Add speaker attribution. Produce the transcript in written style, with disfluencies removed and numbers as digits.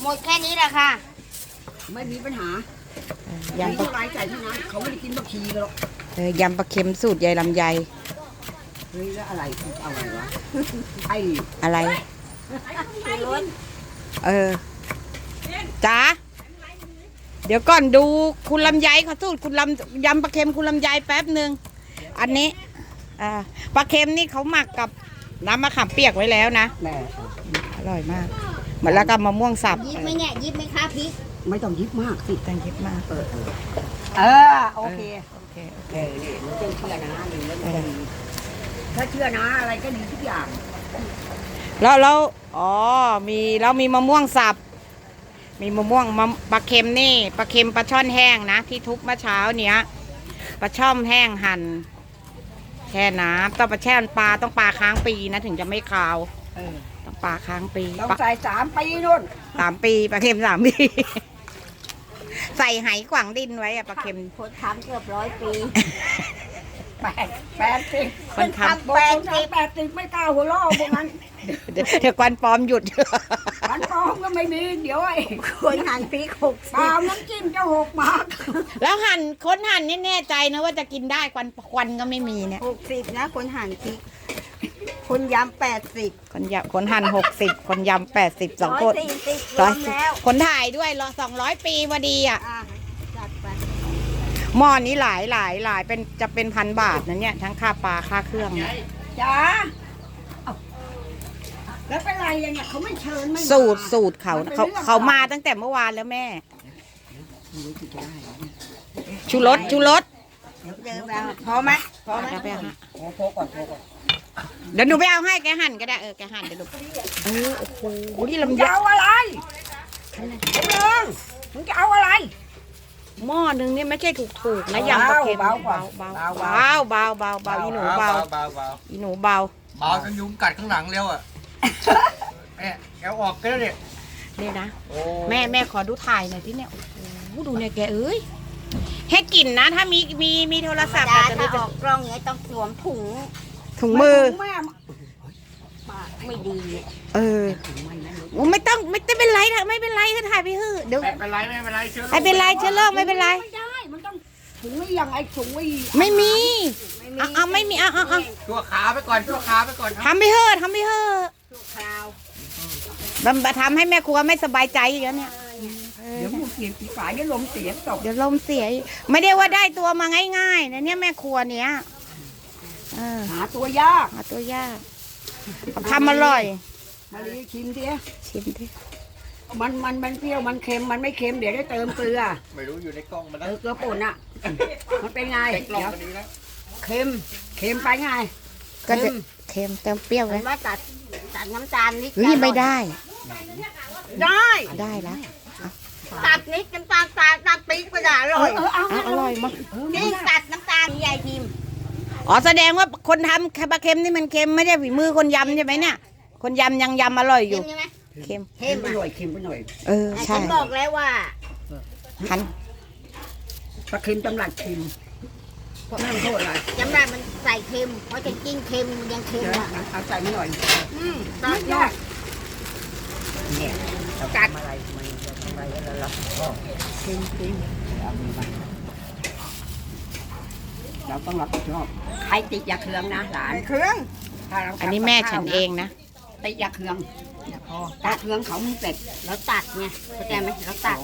Speaker 1: ดแค่นี้แหละค่ะ
Speaker 2: ไม่มีปัญหา
Speaker 3: ยำปลา
Speaker 2: ไร้ใจเท่านั้นเขาไม่ได้กินบะชีกันหรอก
Speaker 3: ยำปลาเค็มสูตรยายลำไย
Speaker 2: เฮ้ยแล้วอะไรอะไรวะไอ้
Speaker 3: อะไรจ๋าเดี๋ยวก่อนดูคุณลำไยเขาสูตรคุณยำปลาเค็มคุณลำไยแป๊บหนึ่งอันนี้ปลาเค็มนี่เขาหมักกับน้ำมะขามเปียกไว้แล้วนะ
Speaker 2: แม่
Speaker 3: อร่อยมากเหมือนแล้วก็มะม่วงสับ
Speaker 1: ยิบไหมเนี่ยยิบไหมคะพริก
Speaker 2: ไม่ต้องยิบมากสิ
Speaker 3: ต้องยิบมาก
Speaker 2: โอเคนี่มันต้องเชื่อนะหนึ่งแล้วถ้าเชื่อนะอะไรก็ดีทุกอย่าง
Speaker 3: แล้วมีมะม่วงสับมีมะม่วงปลาเค็มนี่ปลาเค็มปลาช่อนแห้งนะที่ทุบเมื่อเช้าเนี้ยปลาช่อมแห้งหั่นแช่น้ำต้องปลาแช่ปลาต้องปลาค้างปีนะถึงจะไม่คาวต้องปลาค้างปี
Speaker 2: ต้องใส่3 ปีนู่น
Speaker 3: 3 ปีปลาเค็ม3 ปีใส่ไหขวางดินไว้อะปลาเค็ม
Speaker 1: คนทำเกือบ100 ปี
Speaker 2: 80
Speaker 1: คนทำ
Speaker 2: 80ไม่กล้าหัวเราะพวกนั้น
Speaker 3: เดี๋ยวควันปลอมหยุด
Speaker 2: ควันปลอมก็ไม่มีเดี๋ยวไอ้
Speaker 1: คนหั่นพริก60
Speaker 2: ปลาน้ำจิ้มจะ6 บาท
Speaker 3: แล้วคนหั่นนี่แน่ใจนะว่าจะกินได้ควันก็ไม่มีเนี่ย
Speaker 1: 60นะคนหั่นพริกคนยำ80
Speaker 3: คนหั่น60คนยำ80 2 คน140คนถ่ายด้วย200 ปีพอดีอ่ะ
Speaker 1: จัดไป
Speaker 3: หม้อนี้หลายเป็นจะเป็น1,000 บาทนะเนี่ยทั้งค่าปลาค่าเครื่อง
Speaker 2: จ้าแล้วเป็นไรเนี่ยเขาไม่เชิญไม่
Speaker 3: สูตรเขามาตั้งแต่เมื่อวานแล้วแม่ชูรส
Speaker 1: พอไหม
Speaker 3: ไปฮะ
Speaker 2: โผล่ก่อน
Speaker 3: เดี๋ยวหนูไปเอาให้แกหั่นก็ได้แกหั่นเดี๋ยวหนูโอ้โหนี่ลำไย
Speaker 2: เอาอะไรมึงจะเอาอะไร
Speaker 3: หม้อนึงนี่ไม่ใช่ถูกนะยำปลาเค็มเบาอีหนูเบา
Speaker 4: จนยุงกัดข้างหลังเร็วอ่ะแม่แกออกกันแล้วเนี่ย
Speaker 3: นี่นะแม่ขอดูถ่ายหน่อยที่เนี่ยโอ้โหดูเนี่ยแกให้กลิ่นนะถ้ามีโทรศัพท์
Speaker 1: จะออกกล้องเนี่ยต้องสวมถุง
Speaker 3: มือ
Speaker 1: ไม่ดี
Speaker 3: ไม่เป็นไรถ้าไม่เป็นไรก็ถ่ายไปเถอะเดี๋ยว
Speaker 4: ไม่เป็นไรเชื้อ
Speaker 3: โรคไม่เป็นไร
Speaker 2: ไม่ได้มันต้องถุงไม่อย่างไอ้ถุง
Speaker 3: ไม่มีไม่มี
Speaker 4: ชั่วขาไปก่อน
Speaker 3: ทำไปเถอะ
Speaker 1: ชั่วคราว
Speaker 3: ทำให้แม่ครัวไม่สบายใจอย่างเนี้ย
Speaker 2: เดี๋ยวมึงเสียฝ่ายเดี๋ยวลมเสียตก
Speaker 3: เดี๋ยวลมเสียไม่ได้ว่าได้ตัวมาง่ายๆนะเนี่ยแม่ครัวเนี้ย
Speaker 2: หาตัวยาก
Speaker 3: ทำอร่อย
Speaker 2: มาลีชิมดิมันเปรี้ยวมันเค็มมันไม่เค็มเดี๋ยวได้เติมเกลือ
Speaker 4: ไม่รู้อยู่ในกล้องมัน
Speaker 2: เกลือป่นอ่ะมันเป็นไงเดี๋ยวเค็มไปไง
Speaker 3: ก็จะเค็มเติมเปรี้ยวเลย
Speaker 1: ว่าตัดน้ำตาลนิด
Speaker 3: ไม่ได้แล้ว
Speaker 1: ตัดนิดน้ำตาลตัดปีกก็ได้อร่อย
Speaker 3: อร่อยมาก
Speaker 1: นี่ตัดน้ำตาลใหญ่ทิม
Speaker 3: แสดงว่าคนทำปลาเค็มนี่มันเค็มไม่ใช่ฝีมือคนยำใช่ไหมเนี่ยคนยำยังยำอร่อยอยู่
Speaker 2: เค็มไปหน่อย
Speaker 3: ใช่
Speaker 1: ฉันบอกแล้วว่า
Speaker 3: หัน
Speaker 2: ปลาเค็มจำรัดเค็มเพราะแม่มันโทษอะไร
Speaker 1: จำรัดมันใส่เค็มเพราะจะกินเค็มยังเค็ม
Speaker 2: เอาใส่ไม่หน่อย
Speaker 1: ตัดยอด
Speaker 2: เนี่ยกัดอะไรแล้วเค็มเราต้องรับผิดชอบใครติดยาเครื่องนะหลาน
Speaker 1: เครื่อง
Speaker 3: อันนี้แม่ฉันเองนะ
Speaker 2: ติดยาเครื่องถ้าเครื่องเขามึงเสร็จ
Speaker 1: แล้วตัดไงเข้าใจไหมแล้วตัด